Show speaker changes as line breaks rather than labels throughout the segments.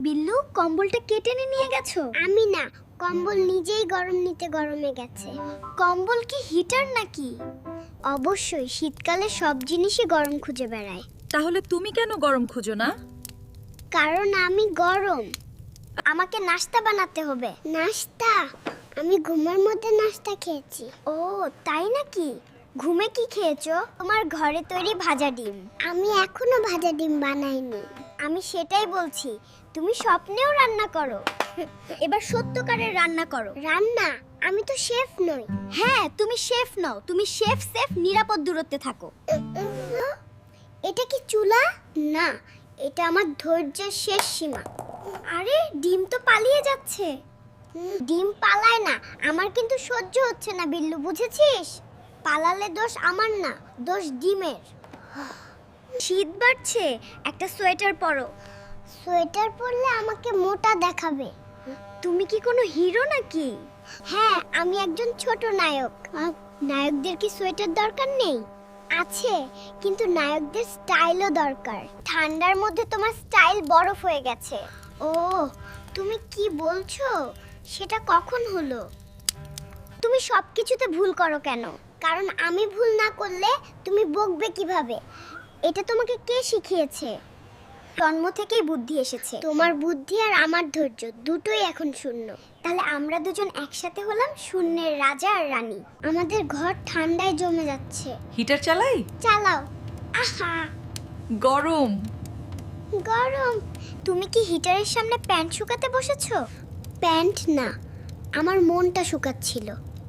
বিল্লু, কম্বলটা কেটে নিয়ে গেছো?
আমি না, কম্বল নিজেই গরম নিতে গরমে গেছে।
কম্বল কি হিটার নাকি?
অবশ্যই, শীতকালে সব জিনিসই গরম খুঁজে বেড়ায়।
তাহলে তুমি কেন গরম খুঁজো না?
কারণ আমি গরম।
আমাকে নাস্তা বানাতে হবে।
নাস্তা? আমি ঘুমের মধ্যে নাস্তা খেয়েছি।
ও তাই নাকি? ঘুমে কি খেয়েছো? তোমার ঘরে তৈরি ভাজা ডিম।
আমি এখনো ভাজা ডিম বানাইনি।
আমি সেটাই বলছি, তুমি স্বপ্নেও রান্না করো। এবার সত্যকারের রান্না করো।
রান্না? আমি তো শেফ নই।
হ্যাঁ, তুমি শেফ নও, তুমি শেফ সেফ নিরাপদ দূরত্বে থাকো।
এটা কি চুলা? না, এটা আমার ধৈর্যের শেষ সীমা।
আরে ডিম তো পালিয়ে যাচ্ছে।
ডিম পালায় না, আমার কিন্তু সহ্য হচ্ছে না বিল্লু, বুঝেছিস? পালালে দোষ আমার না, দোষ ডিমের।
শীত বাড়ছে, একটা সোয়েটার পরো।
সোয়েটার পরলে আমাকে মোটা দেখাবে।
তুমি কি কোনো হিরো নাকি?
হ্যাঁ, আমি একজন ছোট নায়ক। নায়কদের কি সোয়েটার দরকার নেই? আছে, কিন্তু নায়কদের স্টাইলও দরকার। ঠান্ডার মধ্যে তোমার স্টাইল বরফ হয়ে গেছে। ও, তুমি কি বলছো? সেটা কখন হলো?
তুমি সবকিছুতে ভুল করো কেন?
কারণ আমি ভুল না করলে তুমি বকবে কিভাবে? এটা তোমাকে কে শিখিয়েছে?
জন্ম থেকেই বুদ্ধি এসেছে।
তোমার বুদ্ধি আর আমার ধৈর্য দুটোই এখন শূন্য।
তাহলে আমরা দুজন একসাথে হলাম শূন্যের রাজা আর রানী।
আমাদের ঘর ঠান্ডায় জমে যাচ্ছে।
হিটার চালাই?
চালাও। আহা,
গরম।
গরম।
তুমি কি হিটারের সামনে প্যান্ট শুকাতে বসেছো?
প্যান্ট না, আমার মনটা শুকাচ্ছিল।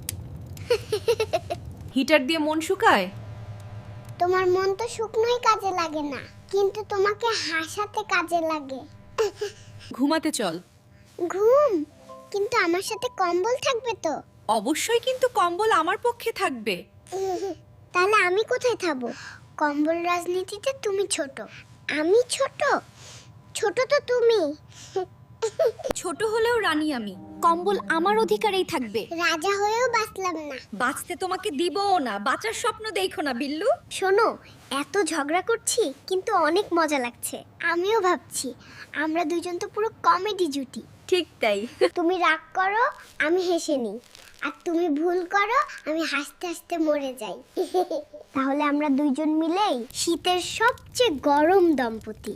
হিটার দিয়ে মন শুকায়?
তোমার মন তো শুকনোই কাজে লাগে না, কিন্তু তোমাকে হাসাতে কাজে লাগে।
ঘুমাতে চল।
ঘুম? কিন্তু আমার সাথে কম্বল থাকবে তো?
অবশ্যই, কিন্তু কম্বল আমার পক্ষে থাকবে।
তাহলে আমি কোথায় থাকবো? কম্বল রাজনীতিতে তুমি ছোট। আমি ছোট? ছোট তো তুমি।
ছোট হলেও রানী আমি, কম্বল আমার অধিকারেই থাকবে।
রাজা হয়েও বাঁচলাম না।
বাঁচতে তোমাকে দিবও না, বাঁচার স্বপ্ন দেখো না বিল্লু।
শোনো, এত ঝগড়া করছি কিন্তু অনেক মজা লাগছে।
আমিও ভাবছি, আমরা দুজন তো পুরো কমেডি জুটি।
ঠিক তাই।
তুমি রাগ করো, আমি হেসে নিই। আর তুমি ভুল করো, আমি হাসতে হাসতে মরে যাই। তাহলে আমরা দুইজন মিলেই শীতের সবচেয়ে গরম দম্পতি।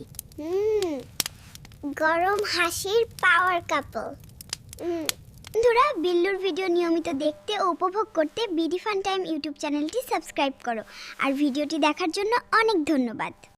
গরম হাসির পাওয়ার কাপল।
বন্ধুরা, বিল্লুর ভিডিও নিয়মিত দেখতে ও উপভোগ করতে বিডি ফান টাইম ইউটিউব চ্যানেলটি সাবস্ক্রাইব করো। আর ভিডিওটি দেখার জন্য অনেক ধন্যবাদ।